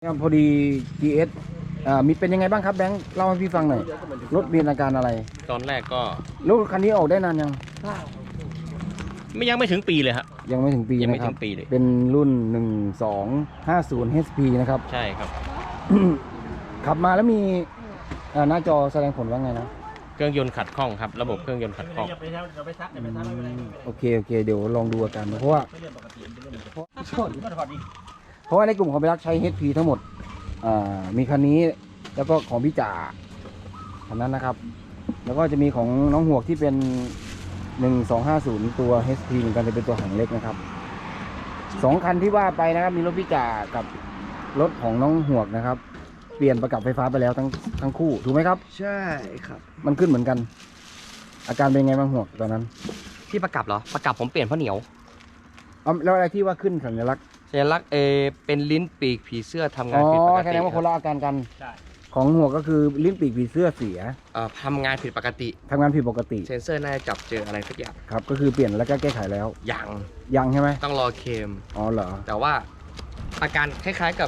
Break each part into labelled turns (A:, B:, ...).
A: ครับพอดี GS มีเป็นยังไงบ้างครับแบงค์เล่าให้พี่ฟังหน่อยรถมีอาการอะไร
B: ตอนแรกก็
A: รถคันนี้ออกได้นานยัง
B: ยังไม่ถึงปีเลยครับ
A: ยังไม่ถึงปี
B: ยังไม่
A: นะครับ
B: ถึงปีเลย
A: เป็นรุ่น1250 HP นะครับ
B: ใช่ครับ
A: ขับมาแล้วมีหน้าจอแสดงผลว่าไงนะ
B: เครื่องยนต์ขัดข้องครับระบบเครื่องยนต์ขัดข้อง
A: โอเคเดี๋ยวลองดูอาการเพราะว่าในกลุ่มของพี่รักใช้ HP ทั้งหมดมีคันนี้แล้วก็ของพี่จ่าคันนั้นนะครับแล้วก็จะมีของน้องหวกที่เป็น1250ตัว HP เหมือนกันจะเป็นตัวหางเล็กนะครับ2คันที่ว่าไปนะครับมีรถพี่จ่ากับรถของน้องหวกนะครับเปลี่ยนประกับไฟฟ้าไปแล้วทั้งคู่ถูกไหมครับ
C: ใช่ครับ
A: มันขึ้นเหมือนกันอาการเป็นไงบ้างหวกตอนนั้น
B: ที่ประกับเหรอประกับผมเปลี่ยนเพราะเหนียว
A: แล้วอะไรที่ว่าขึ้นสัญลักษณ์
B: เป็นลิ้นปีกผีเสื้อทำงานผิดปกติ
A: แสดงว่าคนละอาการกันของหัวก็คือลิ้นปีกผีเสื้อเสีย
B: ทำงานผิดปกติ
A: เ
B: ซนเซอร์น่าจะจับเจออะไรสักอย่าง
A: ครับก็คือเปลี่ยนแล้วก็แก้ไขแล้วยังใช่ไหม
B: ต้องรอเคม
A: อ๋อเหรอ
B: แต่ว่าอาการคล้ายๆกับ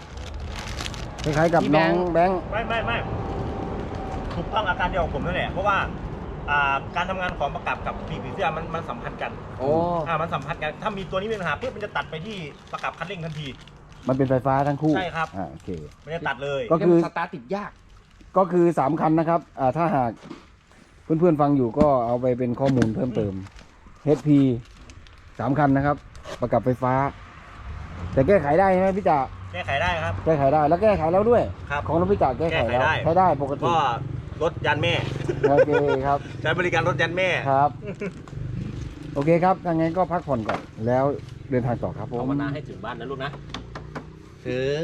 A: น้องแบงค์
C: ไม่ถูกต้องอาการเดียวกับผมนั่นแหละเพราะว่าการทำงานของประกับกับปีกผีเสื้อมันสัมพันธ์กันมันสัมพันธ์กันถ้ามีตัวนี้มีปัญหาปุ๊บมันจะตัดไปที่ประกับคันเร่งทันที
A: มันเป็นไฟฟ้าทั้งคู่
C: ใช่ครับ
A: โอเค
C: ไม่ได้ตัดเลย
A: ก็คือ
B: สตาร์ทติดยาก
A: ก็คือ3คันนะครับถ้าหากเพื่อนๆฟังอยู่ก็เอาไปเป็นข้อมูลเพิ่มเติม HP 3คันนะครับประกับไฟฟ้าแต่แก้ไขได้ใช่ไหมพี่จ่า
C: แก้ไขได้ครับ
A: แก้ไขได้แล้วแก้ไขแล้วด้วย
C: ครับ
A: ของรถพี่จ่าแก้ไขแล้วใช้ได้ปกติ
C: ก็รถยันแม่
A: โอเคครับ
C: ใช้บริการรถยันแม่
A: ครับโอเคครับถ้างั้นก็พักผ่อนก่อนแล้วเดินทางต่อครับผม
B: ภาวนาให้ถึงบ้านนะลูกนะถึง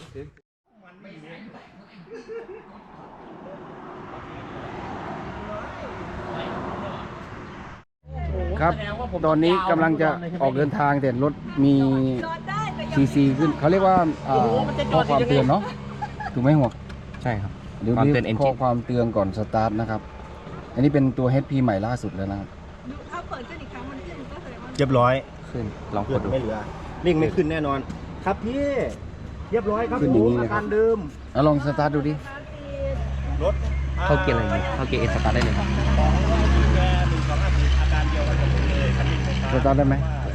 A: ครับตอนนี้กำลังจะออกเดินทางแต่รถมีซีขึ้นเขาเรียกว่าข้อความเตือนเนาะถูกไหมหัว
B: ใช่ครับ
A: เดี๋ยวข้อความเตือนก่อนสตาร์ทนะครับอันนี้เป็นตัว HP ใหม่ล่าสุดแล้วนะครับ
D: ถ้าเปิดขึ้นอีกครั้งมันขึ้นก็แสดงว่า
C: เรียบร้อย
B: ขึ้นลองกดดู
C: ไม่เหลือเร่งไม่ขึ้นแน่นอนครับพี่เรียบร้อยครับอาการเดิม
A: ลองสตาร์ทดูดิ
C: รถ
B: เข้าเกียร์อะไรดีเข้าเกียร์เอสตาร์ทได้เลย
C: ของแก1250อาการเดียวกันกับผมเลยคันนี้
A: สตาร์ทได้ไหม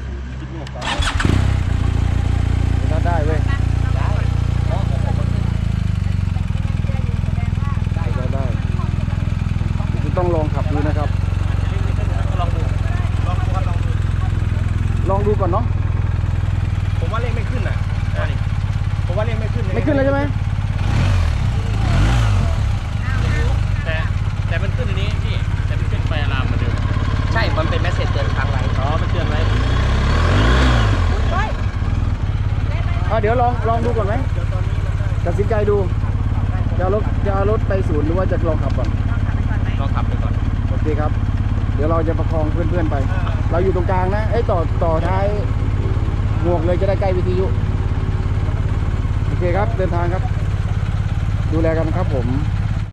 A: สตาร์ทได้เว้ยได้ต้องลองขับดูนะครับลองดูก่อนเนาะ
C: ผมว่าเร่งไม่ขึ้นอ่ะผมว่าเร่งไม่ขึ้น
A: เลยใช่ไหม
B: แต่มันขึ้นอันนี้พี่แต่มันขึ้นไฟอะลามมาเดิมใช่มันเป็นแมสเซจเตือนค้างไว้มันเตือนไว้
A: เดี๋ยวลองดูก่อนไหมตัดสินใจดูจะเอารถไปศูนย์หรือว่าจะลองขับก่อน
B: ลองขับไปก่อน
A: โอเคครับเดี๋ยวเราจะประคองเพื่อนๆไปเราอยู่ตรงกลางนะต่อท้ายหมวกเลยจะได้ใกล้วิทยุโอเคครับเดินทางครับดูแลกันครับผม